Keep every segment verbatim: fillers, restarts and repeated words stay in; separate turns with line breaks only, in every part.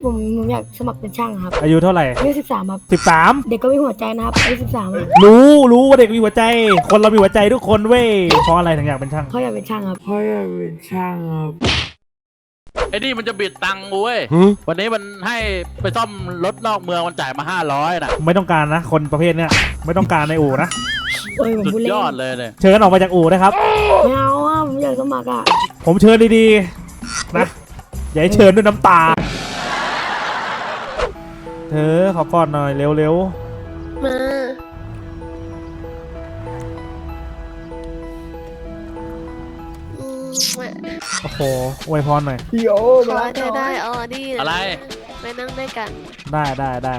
ผมผมอยากสมัครเป็นช่างครับ
อายุเท่าไหร่
อายุสิบสามครับ
สิบสาม
เด็กก็มีหัวใจนะครับอายุสิบสาม
รู้รู้ว่าเด็กมีหัวใจคนเรามีหัวใจทุกคนเว้ยเพราะอะไรถึงอยากเป็นช่าง
เขาอยากเป็นช่างครับเขาอยากเป็นช่างครับ
ไอ้นี่มันจะบิดตังค์กูเว้ยวันนี้มันให้ไปซ่อมรถนอกเมืองมันจ่ายมาห้าร้อยนะ
ไม่ต้องการนะคนประเภทเนี้ยไม่ต้องการในอู่นะ
สุดยอดเลยเนี่ย
เชิญออกมาจากอู่นะครับ
ไม่เอาอ่ะผมอยากสมัครอ่ะ
ผมเชิญดีๆนะอย่าให้เชิญด้วยน้ำตาเธอขอกอดหน่อยเร็ว
ๆมา
โอ้โหอวยพรหน่อย
พี่โอ้
ขอเธอได้ออดี้
อะไร
ไปนั่งด้วยกัน
ได้ได้ได้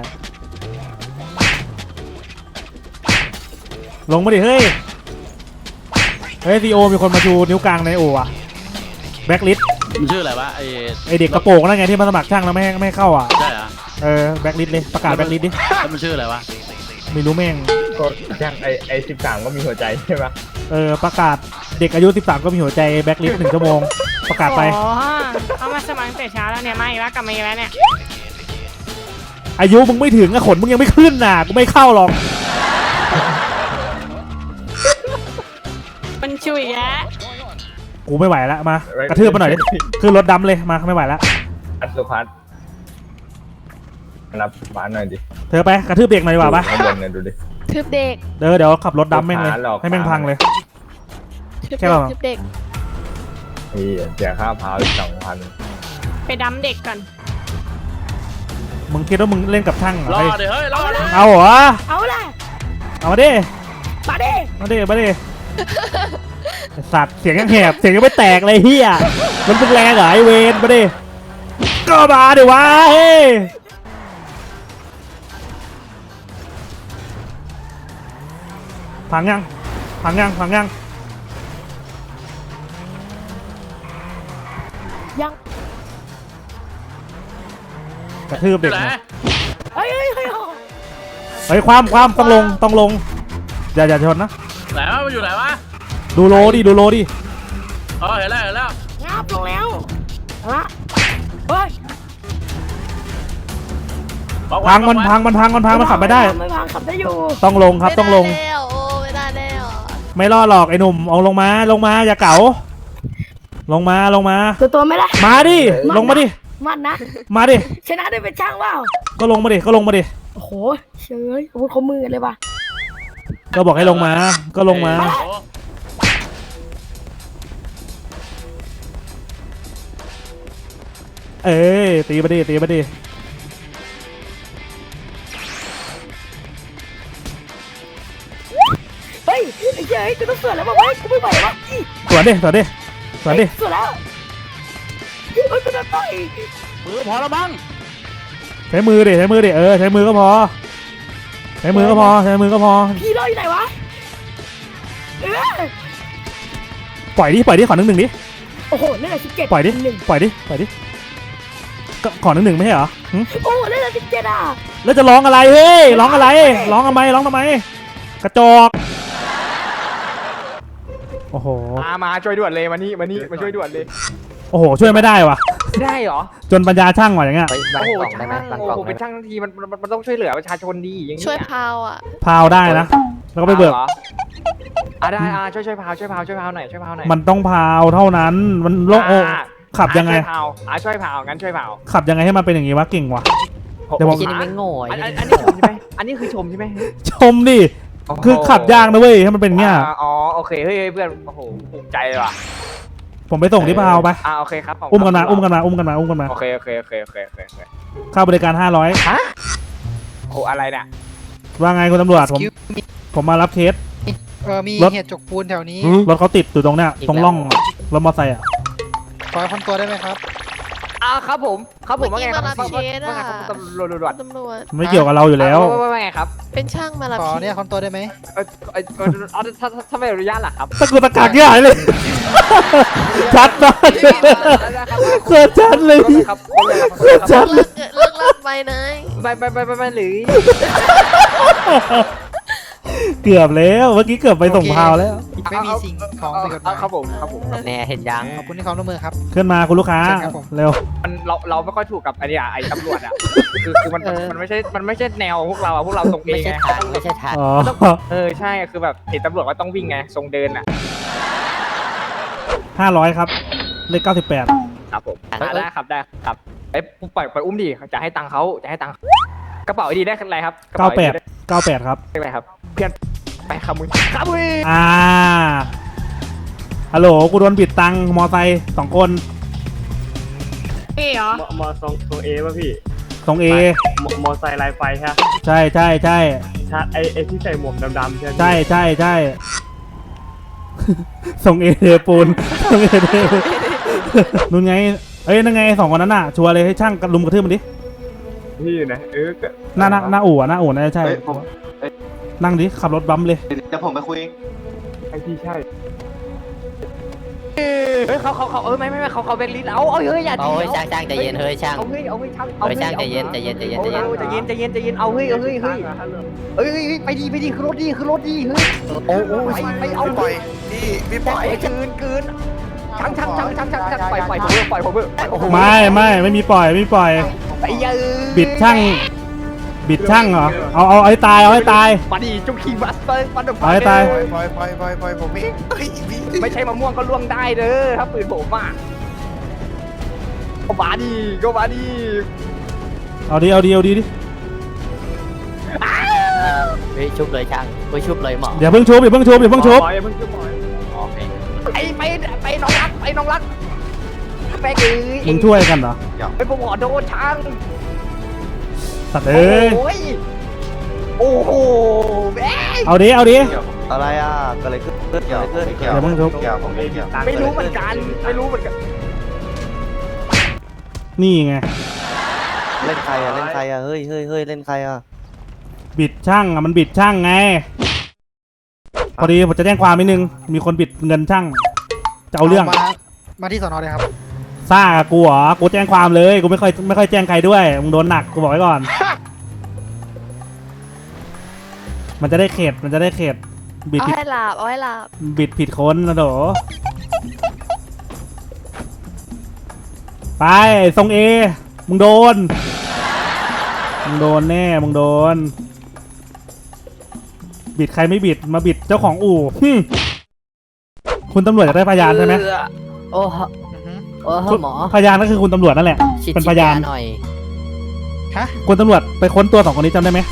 ลงมาดิเฮ้ยเฮ้ยซีโอมีคนมาชูนิ้วกลางในโอ่ะแบ็คลิส
มันชื่ออะไรวะไอ
ไอเด็กกระโปรงนั่นไงที่มาสมัครช่างแล้วไม่ให้ไม่เข้าอ่ะ
ใช่เหรอ
เออแบ็คลิสเลยประกาศแบ็คลิสดิ
แล้วมันชื่ออะไรวะ
ไม่รู้แม่ง
ก็ช่างไอไอสิบสามก็มีหัวใจใช่ไหม
เออประกาศเด็กอายุสิบสามก็มีหัวใจแบ็คลิสหนึ่งชั่วโมงประกาศไป
อ๋อเอามาสมัครแต่เช้าแล้วเนี่ยมาอีกแล้วกลับมาอีกแล้วเนี่ย
อายุมึงไม่ถึงอะขนมึงยังไม่ขึ้นน่ะกูไม่เข้าหรอก
มันชุยแยะ
กูไม่ไหวแล้วมากระทืบมาหน่อยดิขึ้นรถดำเลยมาไม่ไหวแล้ว
อัศพัฒน์รับบ้านหน่อยดิ
เธอไปกระทืบเด็กหน่อยดีกว่าปะ
ข้างบนเนี่ยดูดิ
ทืบเด็ก
เดี๋ยวเดี๋ยวขับรถดำแม่งเลยให้แม่งพังเลย
แค่แบบทืบเด็ก
เฮ้ยเสียค่าพาวอีกสองพัน
ไปดำเด็กก่อน
มึงคิดว่ามึงเล่นกับช่างเหรอ
รอเดี๋ยวเฮ้ยรอเลย
เอาเหรอ
เอาละ
เอามาดิ
มาดิ
มาดิมาดิสัตว์เสียงยังแหบเสียงยังไม่แตกเลยเฮียมันเป็นแรงเหรอไอเวนมาดิก็มาดิวะเฮ้ยพังยังพังยังพังยัง
ยัง
กระทืบเด็กนะ
เฮ้ยเฮ้ยเฮ้ย
เฮ้ยความความต้องลงต้องลงอย่าอย่าชนนะ
ไหนวะมันอยู่ไหนวะ
ดูโลดิดูโลดิ
อ๋อเห็นแล้วเห็นแล้ว
งับลงแล้วละเฮ้ย
พังมันพังมันพังมันพังมันขับไม่ได้
ไม่พังขับได้อยู่
ต้องลงครับต้องลง
โอ้ไม่ได้แล้ว
ไม่รอดหรอกไอ้หนุ่มเอาลงมาลงมาอย่าเก๋าลงมาลงมา
ตัวตัวไม่ได้
มาดิลงมาดิ
มันนะ
มาดิ
ชนะได้เป็นช่างเปล่า
ก็ลงมาดิก็ลงมาดิ
โอ้โหเชยอาวุธเขามือเลยว่ะ
ก็บอกให้ลงมาก็ลงมาเอ้ยตีมาดิตีมาดิ
เฮ้ยไอ้เจ้ยกูต้องสวนแล้วบอกว่ากูไม่ไหวแล้ว
สวนดิสวนดิสวนดิ
สวนแล้วเฮ้ยกูจะต่อย
มือพอแล้วมั้ง
ใช้มือดิใช้มือดิเออใช้มือก็พอใช้มือก็พอใช้มือก็พอ
พี่รออยู่ไหนวะ
ปล่อยดิปล่อยดิขอหนึ่งหนึ่งดิ
โอ้โหเล่นอะไรสิบเจ็ด
ปล่อยดิปล่อยดิปล่อยดิก็ขอหนึ่งหนึ่งไม่ใช่เหรอ
โอ้เล่นอะไรสิบเจ็ดอ่ะ
แล้วจะร้องอะไรเฮ้ยร้องอะไรร้องทำไมร้องทำไมกระจอกโอ้โห
มามาช่วยด่วนเลยมานี่มานี่มาช่วยด่วนเลย
โอ้โหช่วยไม่ได้วะ
ได้เหรอ
จนปัญญาช่างว่ะอย่างเงี้ย
โอ้โหช่างโอ้โหเป็นช่างทั้งทีมันมันต้องช่วยเหลือประชาชนดีอย่างเงี้ย
ช่วยพาวอ่ะ
พาวได้นะแล้วก็ไปเบิก
อ่ะได้อ่ะช่วยช่วยพาวช่วยพาวช่วยพาวหน่อยช่วยพาวหน่อย
มันต้องพาวเท่านั้นมันโลกโอขับยังไง
ช่วยพาวอ่ะช่วยพาวงั้นช่วยพาว
ขับยังไงให้มันเป็นอย่างงี้วะเก่งว่ะ
เดี๋ยวผมไม่โง่อันนี้ชมใช่ไหมอันนี้คือชมใช่ไหม
ชมดิคือขับยากนะเว้ยให้มันเป็นเงี้ย
อ๋อโอเคเฮ้ยเพื่อนโอ้โหภูมิใจเลยว่ะ
ผมไปส่งที่พาวไป
อ่าโอเคครับ
อุ้มกันมาอุ้มกันมาอุ้มกันมาอุ้มกันมา
โอเคโอเคโอเคโอเคโอเค
ค่าบริการห้าร้อย
ฮะโอ้อะไรเนี่ย
ว่าไงคุณตำรวจผมผมมารับเคส
เออมีเหตุจกปูนแถวนี้
รถเขาติดอยู่ตรงเนี้ยตรงร่องรถมอเตอร์ไซค์อ่ะ
ขอคนตัวได้ไหมครับ
อ่าครับผมครับผมว่าไงครับ
ว่าไง
ตำรวจตำรวจ
ตำรวจ
ไม่เกี่ยวกับเราอยู่แล้ว
ว่าไงครับ
เป็นช่างมารับ
ขอเนี่ยคนตัวได้ไหม
เออเออถ้าถ้าไม่อนุญาตล่ะครับ
ตะกุตะกักใหญ่เลยชัดมากเกิดชัดเลยเกิดชัดเลย
เลิกเลิกไปนาย
ไปไปไปไปหรือ
เกือบแล้วเมื่อกี้เกือบไปส่งพาวแล้ว
ไม่มีสิ่งของผิดกฎหมาย
ครับผมครับผม
แน่เห็นยัง
ขอบคุณที่ความร่วมมือครับ
ขึ้นมาคุณลูกค้า
เชิญครับผม
เร็ว
มันเราเราไม่ค่อยถูกกับไอ้นี่อะไอ้ตำรวจอ่ะคือคือมันมันไม่ใช่มันไม่ใช่แนวพวกเราอะพวกเราตรงเอ
ไม่
ง
ใช่
ไง
ทางไม่ใช่ทาง
อ๋อ
เออใช่คือแบบเห็นตำรวจว่าต้องวิ่งไงทรงเดินอ่ะ
ห้าร้อยครับเลขเก้าสิบแปด
ครับผมได้ครับได้ครับไอ้ปล่อยปล่อยอุ้มดิจะให้ตังค์เขาจะให้ตังค์กระเป๋าไอดีได้อะไรครับกระ
เก้า
เป๋า
แป
ไอ
ด
ดี
เก้าแปดครับ
ได้อะไรครับเพื่อนไปขโมยขโมย
อ่าฮัลโหลกูโดนบิดตังค์มอไซค์สองคน
พี่เหรอ
มอมอทรงตัวเอป่ะพี่
ตรงเอ
มอมอไซค์ลายไฟใช่ไหม
ใช่ใช่ใช่
ชาไอไอที่ใส่หมวกดำๆใช่ไหม
ใช่ใช่ใช่ ส่งเอเทปูนส่งเอเทปูนนู่นไงเอ้ยนั่นไงสองคนนั้นน่ะชัวร์เลยให้ช่างกระลุมกระทืบมันดิ
พี่อยู่นะเออก็
หน้าหน้าหน้าอู่อะหน้าอู่น่าจะใช่
เฮ้ยผมเอ้ย
นั่งดิขับรถบัมป์เลย
เดี๋ยวผมไปคุยเอง
ไอที่ใช่
เฮ้ยเขาเขาเขาเออไม่ไม่ไม่เขาเขาแบงค์ลิสเอาเอาเฮ้ยอย่า
เอาเฮ้ยช่างช่างใจเย็นเฮ้ยช่าง
เอาเฮ้ยเอาเฮ้ยช่าง
เฮ้ยช่างใจเย็นใจเย็นใจเย็นใจเย็น
ใจเย็นใจเย็นใจเย็นเอาเฮ้ยเอาเฮ้ยเฮ้ยเฮ้ยไปดีไปดีคือรถดีคือรถดีเฮ้ย
โอ้โอ้
ไปไปเอาปล่อยพี่พี่ปล่อยเกินเกินช่างช่างช่างช่างช่างช่างปล่อยปล่อยผมเบอร์ปล่อยผมเบอร์โอ้โห
ไม่ไม่ไม่มีปล่อยไม่มีปล่อย
ไอ้ยัย
บิดช่าง บิดช่างเหรอเอาเอาเอาให้ตายเอาให้ตาย
มาดิจุกขี่บัสเตอร์ฟันด
เอาให้ตาย
ปล่อยปล่อยปล่อยปล่อยปล่อยผมเองเฮ้ยพี่
ไม่ใช่มะม่วงก็ล่วงได้เด้อถ้าปืนผมอ่ะก็มาดิก็มาดิ
เอาดิเอาดิเอาดิดิ
เฮ้ยชุบเลยช่างเฮ้ยชุบเลยหมอ
อย่าเพิ่งชุบอย่าเพิ่งชุบอย่าเพิ่งชุบ
ปล่อยเพิ่งชุบปล่อย
โอเค
ไปไปไปน้องรักไปน้องรักแม่งเอ้ย
มึงช่วยกันเหรอ
ไปผมขอโทษช่าง
สัตว์เอ้ย
โอ้ยโอ้โหแม่ง
เอาดิเอาดิ
อะไรอ่ะก็เลยขึ้นขึ้นเกี่ยวขึ้นเกี่ยว
อย่าเพิ่งทุบ
เกี่ยวผมไม่เกี่ยว
ไม่รู้เหมือนกันไม่รู้เหมือนกัน
นี่ไง
เล่นใครอ่ะเล่นใครอ่ะเฮ้ยเฮ้ยเฮ้ยเล่นใครอ่ะ
บิดช่างอะมันบิดช่างไงพอดีผมจะแจ้งความนิดนึงมีคนบิดเงินช่างจะเอาเรื่อง
มามาที่สอนอเลยครับ
ซ่ากับกูเหรอกูแจ้งความเลยกูไม่ค่อยไม่ค่อยแจ้งใครด้วยมึงโดนหนักกูบอกไว้ก่อน มันจะได้เข็ดมันจะได้เข็ดบิด
เอา
ผิด
ให้หลับเอาให้หลับ
บิดผิดคนนะโดไปทรงเอมึงโดนมึงโดนแน่มึงโดน บิดใครไม่บิดมาบิดเจ้าของอู่หึคุณตำรวจจะได้พยานใช่ไหม
โอ้โหโอ้โหหมอ
พยานก็คือคุณตำรวจนั่นแหละ
ชิด
เป็น
ชิ
พ
ด
ยาน
หน่อย
ฮะ
คุณตำรวจไปค้นตัวสองคนนี้จำได้ไหม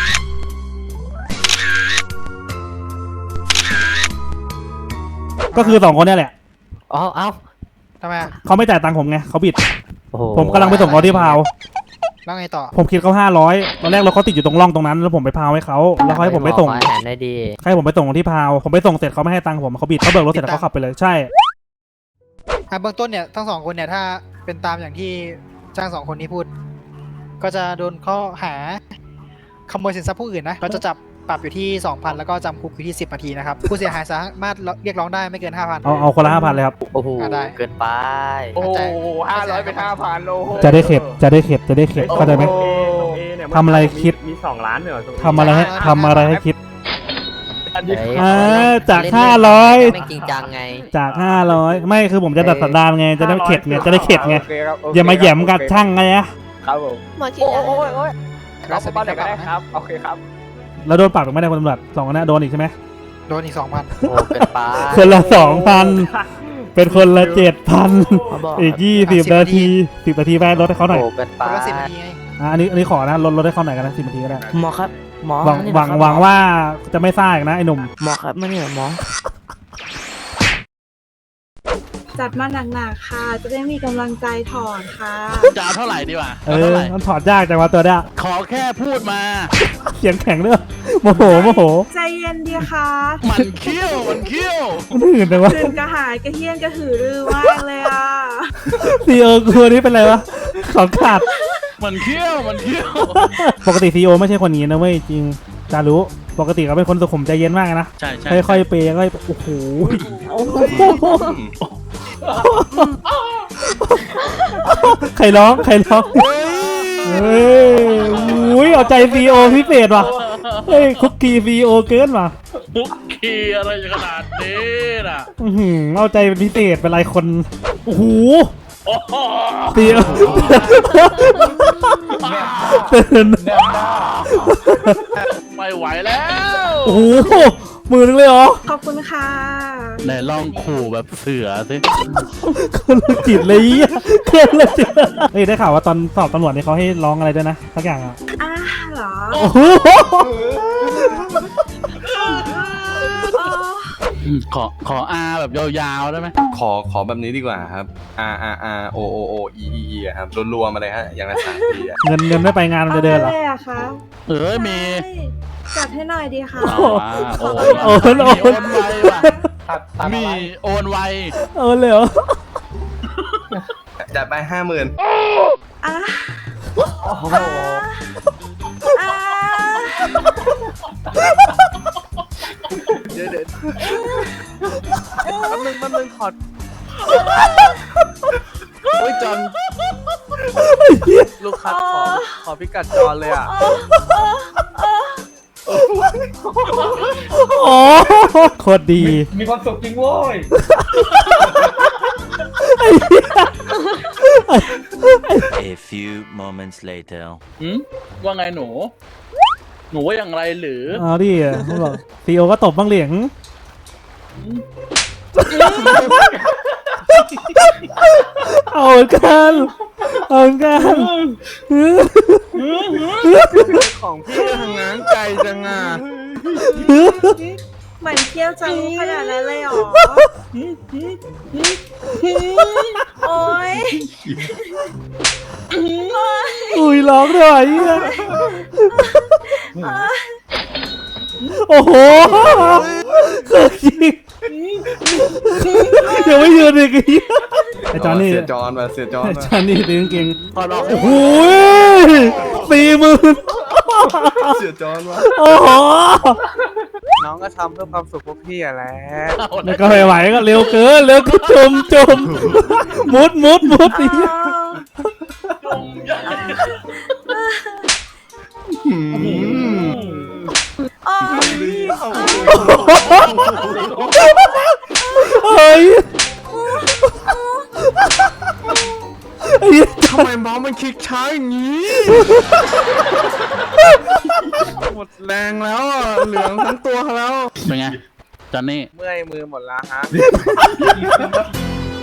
ก็คือสองคนเนี่ยแหละ
อ๋อเอ้า
ทำไมอะ
เขาไม่จ่ายตังค์ผมไงเขาบิด
โอ้โห
ผมกำลังไปส่งเขาที่พาว
แล้วไงต่อ
ผมคิดเขาห้าร้อยตอนแรกเราเขาติดอยู่ตรงร่องตรงนั้นแล้วผมไปพาวให้เขาแล้วเขาให้ผมไปส่ง
ขออาหารได้ดี
ให้ผมไปส่งที่พาวผมไปส่งเสร็จเขาไม่ให้ตังค์ผมเขาบิดเขาเบิกรถเสร็จแล้วเขาขับไปเลยใช่
อ่ะเบื้องต้นเนี่ยทั้งสองคนเนี่ยถ้าเป็นตามอย่างที่จ้างสองคนนี้พูด ก็จะโดนข้อหาขโมยสินทรัพย์ผู้อื่นนะก็จะจับปรับอยู่ที่ สองพัน แล้วก็จำคุกอยู่ที่สิบนาทีนะครับผู้เสียหายสามารถเรียกร้องได้ไม่เกิน ห้าพัน
เอาเอาคนละห้าพันเลยครับ
โอ้โห
อ่ะได้
เกินไป
โอ้โหห้าร้อยเป็นห้าพันโล
จะได้เข็ดจะได้เข็ดจะได้เข็ดเข้าใจไหม
ตรงเอตรงเอเนี่ย
ทำอะไรคิด
มีสองล้านเนี่ยเหรอตรงเอ
ทำอะไรให้ทำอะไรให้คิด
อันนี้
เฮ้ย
อ่าจาก
เล่น
ห้าร้อย
ไม่จริงจังไง
จากห้าร้อยไม่คือผมจะดัดสันดานไงจะได้เข็ดไงจะได้เข็ดไง
โอเคครับโเค
อย่ามาแหย่มกับช่างไงนะ
ครับผม
หมอฉีด
โอ้
ยา
โหโอ้ยเราไปบ้านไหนก็ได้ครับโอเคครับ
แล้วโดนปรับอีกไม่ได้คนตำรวจสองคนนั้นโดนอีกใช่ไหม
โดนอีก สองพัน
โอ้เกินไป
คนละสองพันเป็นคนละเจ็ดพัน
เขาบอก
อีกยี่สิบนาทีสิบนาทีไปลดให้เขาหน่อย
โอ้เกินไป
คนละสิบนาทีไง
อ่ะอันนี้อันนี้ขอนะลดลดให้เขาหน่อยกันนะสิบนาทีก็ได้
หมอครับหมอ
หวัง
นี่
หวัง
นะครับ
หวังว่าจะไม่ซ่าอีกนะไอ้หนุ่ม
หมอครับมาเนี่ยหมอ
จัดมาหนักๆค่ะ จะได้มีกำลังใจถอนค่ะ
จะเอาเท่าไหร่ดีวะ
เอ
เอาเท่า
อ
ไหร่
มันถอดยากจังวะตัวเนี้ย
ขอแค่พูดมา
เสียงแข็งด้วยโมโหโมโห
ใจเย็นดีค่ะ
มันเขี้ยวมันเขี้ยว
มันหื่นจังวะ
คืนกระหายกระเฮี้ยนกระหือรือมากเลยอ่ะ
ซีโอคือนี้เป็นไรวะสองขาด
มันเขี้ยวมันเขี้ยว
ปกติซีโอไม่ใช่คนนี้นะเว้ยจริงจารู้ปกติเขาเป็นคนสุขุมใจเย็นมากนะ
ใช่ใช่
ค่อยๆเปย์ค่อยโอ้โหใครร้องใครร้องเฮ้ยอุ้ยเอาใจซีโอพิเศษว่ะเฮ้ยคุกกี้ซีโอเกินว่ะ
มุกคีอะไรขนาดนี้น่ะ
อื้อหือเอาใจเป็นพิเศษเป็นไรคนโอ้โห
โอ้โห
เตียวตื่น
ไม่ไหวแล้ว
โอ้โหมือนึงเลยเหรอ
ขอบคุณค่ะ
ไหนลองขู่แบบเสือสิ
คนละจิตเลยอ่ะคนละจิตเฮ้ยได้ข่าวว่าตอนสอบตำรวจนี่เขาให้ร้องอะไรด้วยนะสักอย่างอ่ะ
อ้าเหรอ
โอ้โห
อ๋อ
ขอขออาแบบยาวๆได้ไหม
ขอขอแบบนี้ดีกว่าครับ R R R O O O E E E อะครับรัวๆมาเลยฮะอย่างละสามทีอะ
เงินเงินไม่ไปงานมันจะเดินเหรอ
อะไรอะคะ
เอ้ยมี
ใช่จัดให้หน่อยดีค่ะ
อ่าโอน
โอนโอน
มีโอนไวว่ะ
ตัดตัด
มีโอนไว
เออเลยเหรอ
จัดไปห้าหมื่น
อ่ะ
โอ้โห
อ่ะ
เดี๋ยวเดี๋ยว
แป๊บนึงแป๊บนึงขอโอ้ยจอนลูกค้าขอขอพิกัดจอนเลยอ่ะ
โอ้โคตรดี
มีความสุขจริงโว้ย
A few moments later
หืมว่าไงหนู หนูว่าอย่างไรหรือ
เอาดิเขาบอกซีโอก็ตบบ้างเหลียงเอาเหมือนกันเอาเหมือนกัน
ของพี่ทางงานไกลจังอ่ะ
เหมือนเที่ยวจังขนาดนั้นเลยเหรอ โอ๊ย
อุ้ยร้องด้วยอ่ะโอ้โหเกิดจริงยังไม่ยืนอีกไอ้จอนนี่
เสียจอนมาเสียจอน
ไอ้
มา
จอนนี่ตีกางเกง
พอดอก
โอ้โหสี่หมื่น
เสียจอนมา
โอ้โห
น้องก็ทำเพื่อความสุขพวกพี่อ่ะแหละ
แล้วก็ไม่ไหวก็เร็วเกินเร็วก็จมจมมุดมุดมุดนี่
อ๋อ
เฮ้ยไอ้เหี้ย
ทำไมมองมันคลิกช้าอย่างนี้ หมดแรงแล้วอ่ะ เหลืองทั้งตัวแล้ว
เป็นไงจอนนี่
เมื่อยมือหมดแล้วฮะ